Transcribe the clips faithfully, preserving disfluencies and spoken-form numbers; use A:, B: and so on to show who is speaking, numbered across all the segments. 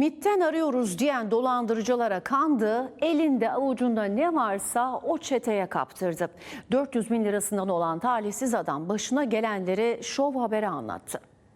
A: MİT'ten arıyoruz diyen dolandırıcılara kandı, elinde avucunda ne varsa o çeteye kaptırdı. dört yüz bin lirasından olan talihsiz adam başına gelenleri Şov Haber'e anlattı.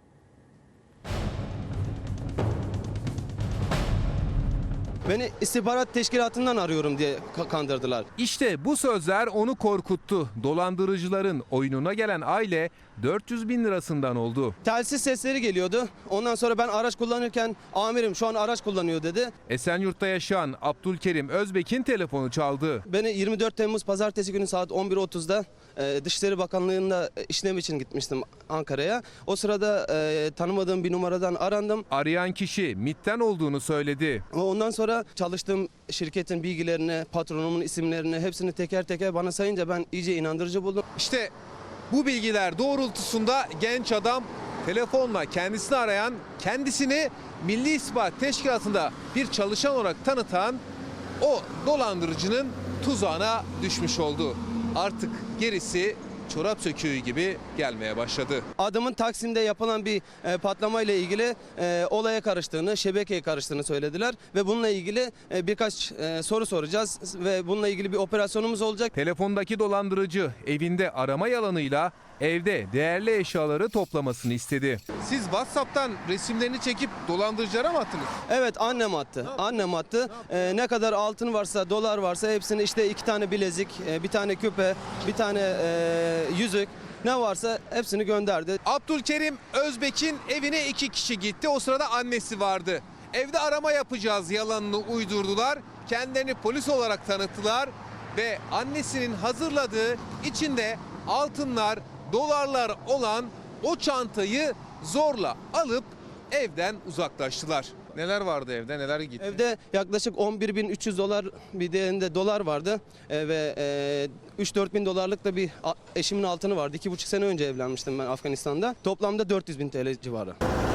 B: Beni istihbarat teşkilatından arıyorum diye kandırdılar.
C: İşte bu sözler onu korkuttu. Dolandırıcıların oyununa gelen aile dört yüz bin lirasından oldu.
B: Telsiz sesleri geliyordu. Ondan sonra ben araç kullanırken amirim şu an araç kullanıyor dedi.
C: Esenyurt'ta yaşayan Abdülkerim Özbek'in telefonu çaldı.
B: Beni yirmi dört Temmuz pazartesi günü saat on bir otuzda Dışişleri Bakanlığı'nda işlem için gitmiştim Ankara'ya. O sırada e, tanımadığım bir numaradan arandım.
C: Arayan kişi MİT'ten olduğunu söyledi.
B: Ondan sonra çalıştığım şirketin bilgilerini, patronumun isimlerini hepsini teker teker bana sayınca ben iyice inandırıcı buldum.
C: İşte bu bilgiler doğrultusunda genç adam telefonla kendisini arayan, kendisini Milli İstihbarat Teşkilatı'nda bir çalışan olarak tanıtan o dolandırıcının tuzağına düşmüş oldu. Artık gerisi çorap söküğü gibi gelmeye başladı.
B: Adamın Taksim'de yapılan bir e, patlamayla ilgili e, olaya karıştığını, şebekeye karıştığını söylediler ve bununla ilgili e, birkaç e, soru soracağız ve bununla ilgili bir operasyonumuz olacak.
C: Telefondaki dolandırıcı evinde arama yalanıyla evde değerli eşyaları toplamasını istedi. Siz WhatsApp'tan resimlerini çekip dolandırıcılara mı attınız?
B: Evet, annem attı. Annem attı. E, ne kadar altın varsa, dolar varsa hepsini, işte iki tane bilezik, e, bir tane küpe, bir tane e, yüzük, ne varsa hepsini gönderdi.
C: Abdülkerim Özbek'in evine iki kişi gitti. O sırada annesi vardı. Evde arama yapacağız yalanını uydurdular. Kendilerini polis olarak tanıttılar ve annesinin hazırladığı içinde altınlar, dolarlar olan o çantayı zorla alıp evden uzaklaştılar. Neler vardı evde, neler gitti?
B: Evde yaklaşık on bir bin üç yüz dolar bir değerinde dolar vardı e, ve e, üç dört bin dolarlık da bir eşimin altını vardı. iki buçuk sene önce evlenmiştim ben Afganistan'da. Toplamda dört yüz bin T L civarı.